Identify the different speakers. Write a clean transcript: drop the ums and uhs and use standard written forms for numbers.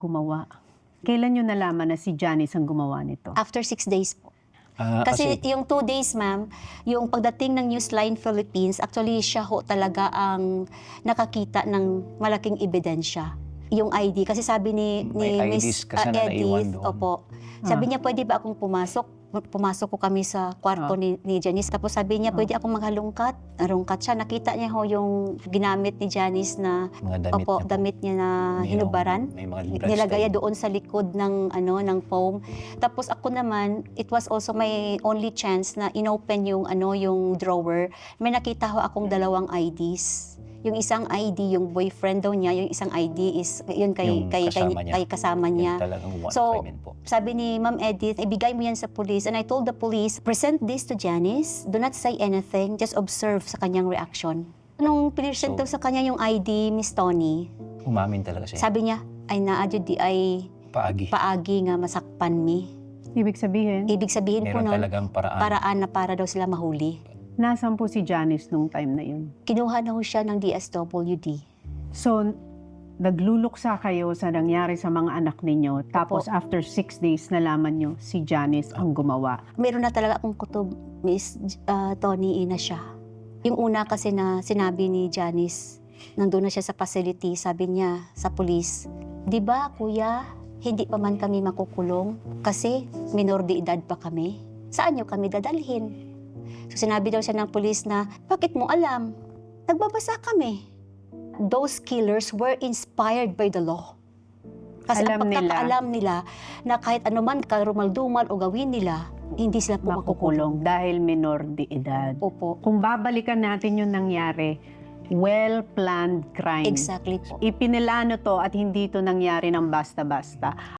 Speaker 1: gumawa. Kailan nyo nalaman na si Janice ang gumawa nito?
Speaker 2: After 6 days po.
Speaker 3: Kasi
Speaker 2: Kasi yung 2 days, ma'am, yung pagdating ng Newsline Philippines, actually siya ho talaga ang nakakita ng malaking ebidensya. Yung ID. Kasi sabi ni
Speaker 3: may
Speaker 2: Miss
Speaker 3: IDs kasi na naiwan
Speaker 2: Edith,
Speaker 3: doon.
Speaker 2: opo, sabi niya, pwede ba akong pumasok? Pumasok ko kami sa kwarto ni Janice. Tapos sabi niya, pwede akong maghalungkat. Narungkat siya. Nakita niya ho yung ginamit ni Janice na
Speaker 3: mga damit
Speaker 2: opo,
Speaker 3: niya po.
Speaker 2: damit niya na
Speaker 3: May
Speaker 2: hinubaran.
Speaker 3: may mga
Speaker 2: Nilagay
Speaker 3: bloodstain.
Speaker 2: doon sa likod ng ng foam. Tapos ako naman, it was also my only chance na inopen yung yung drawer. May nakita ho akong dalawang IDs. Yung isang ID, yung boyfriend daw niya, yung isang ID is yun
Speaker 3: Yung
Speaker 2: kasama niya.
Speaker 3: Yan talagang one
Speaker 2: So,
Speaker 3: crimen po.
Speaker 2: sabi ni Ma'am Edith, ibigay mo yan sa police. And I told the police, present this to Janice. Do not say anything. Just observe sa kanyang reaction. Nung pinisent daw sa kanya yung ID, Miss Tony,
Speaker 3: Umamin talaga siya.
Speaker 2: sabi niya, ay naadyo di ay paagi nga masakpan mi.
Speaker 1: Ibig sabihin,
Speaker 2: Ibig sabihin po
Speaker 3: Meron
Speaker 2: nun,
Speaker 3: talagang paraan.
Speaker 2: paraan na para daw sila mahuli.
Speaker 1: nasaan po si Janice nung time na yun?
Speaker 2: Kinuha na ho siya ng DSWD.
Speaker 1: So, nagluluksa kayo sa nangyari sa mga anak ninyo. Tapos after 6 days, nalaman nyo si Janice ang gumawa.
Speaker 2: Meron na talaga akong kutob, Miss Tony, ina siya. Yung una kasi na sinabi ni Janice, nandun na siya sa facility, sabi niya sa police, di ba kuya, hindi pa man kami makukulong kasi minor de edad pa kami. Saan niyo kami dadalhin? So sinabi daw siya ng police na, bakit mo alam? Nagbabasa kami. Those killers were inspired by the law. Kasi
Speaker 1: Alam
Speaker 2: ang pagkakaalam nila na kahit anuman karumaldumal o gawin nila, hindi sila po makukulong.
Speaker 1: Makukulong dahil minor de edad.
Speaker 2: Opo.
Speaker 1: Kung babalikan natin yung nangyari, well-planned crime.
Speaker 2: Exactly po.
Speaker 1: Ipinilano to at hindi to nangyari ng basta-basta.